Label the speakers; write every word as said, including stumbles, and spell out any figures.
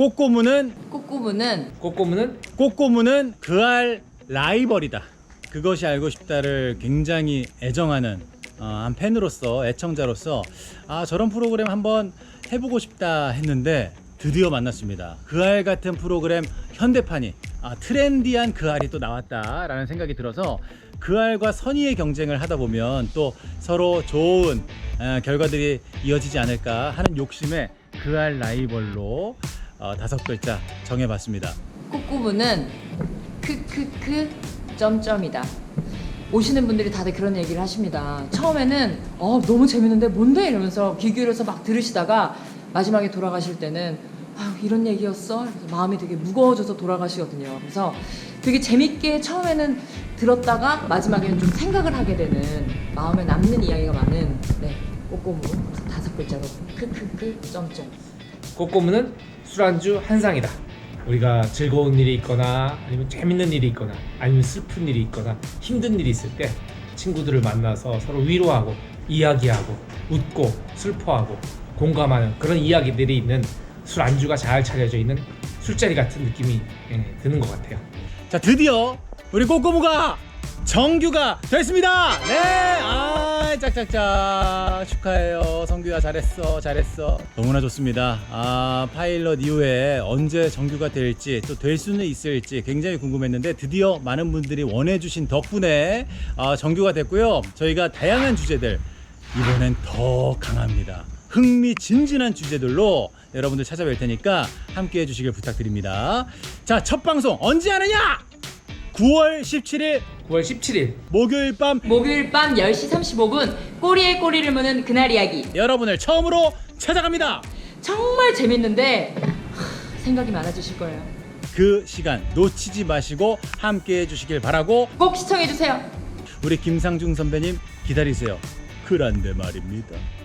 Speaker 1: 꼬꼬무는
Speaker 2: 꼬꼬무는
Speaker 3: 꼬꼬무는
Speaker 1: 꼬꼬무는 그알 라이벌이다. 그것이 알고 싶다를 굉장히 애정하는 어, 한 팬으로서, 애청자로서 아 저런 프로그램 한번 해보고 싶다 했는데 드디어 만났습니다. 그알 같은 프로그램 현대판이 아, 트렌디한 그알이 또 나왔다라는 생각이 들어서 그알과 선의의 경쟁을 하다 보면 또 서로 좋은 어, 결과들이 이어지지 않을까 하는 욕심에 그알 라이벌로 어, 다섯 글자 정해봤습니다.
Speaker 2: 꼬꼬무는 크크크 점점이다. 오시는 분들이 다들 그런 얘기를 하십니다. 처음에는 어 너무 재밌는데 뭔데 이러면서 귀 기울여서 막 들으시다가 마지막에 돌아가실 때는 아 이런 얘기였어? 그래서 마음이 되게 무거워져서 돌아가시거든요. 그래서 되게 재밌게 처음에는 들었다가 마지막에는 좀 생각을 하게 되는 마음에 남는 이야기가 많은 네 꼬꼬무. 그래서 다섯 글자로 크크크 점점.
Speaker 3: 꼬꼬무는 술안주 한상이다. 우리가 즐거운 일이 있거나 아니면 재밌는 일이 있거나 아니면 슬픈 일이 있거나 힘든 일이 있을 때 친구들을 만나서 서로 위로하고 이야기하고 웃고 슬퍼하고 공감하는 그런 이야기들이 있는 술안주가 잘 차려져 있는 술자리 같은 느낌이 예, 드는 것 같아요.
Speaker 1: 자 드디어 우리 꼬꼬무가 정규가 됐습니다. 네, 아 짝짝짝 축하해요. 성규야 잘했어, 잘했어. 너무나 좋습니다. 아 파일럿 이후에 언제 정규가 될지 또 될 수는 있을지 굉장히 궁금했는데 드디어 많은 분들이 원해주신 덕분에 아, 정규가 됐고요. 저희가 다양한 주제들 이번엔 더 강합니다. 흥미진진한 주제들로 여러분들 찾아뵐 테니까 함께 해주시길 부탁드립니다. 자, 첫 방송 언제 하느냐? 구월 십칠일
Speaker 3: 구월 십칠일
Speaker 1: 목요일 밤
Speaker 2: 목요일 밤 열 시 삼십오 분 꼬리에 꼬리를 무는 그날 이야기.
Speaker 1: 여러분을 처음으로 찾아갑니다.
Speaker 2: 정말 재밌는데 하, 생각이 많아지실 거예요.
Speaker 1: 그 시간 놓치지 마시고 함께 해주시길 바라고
Speaker 2: 꼭 시청해주세요.
Speaker 1: 우리 김상중 선배님 기다리세요. 그런데 말입니다.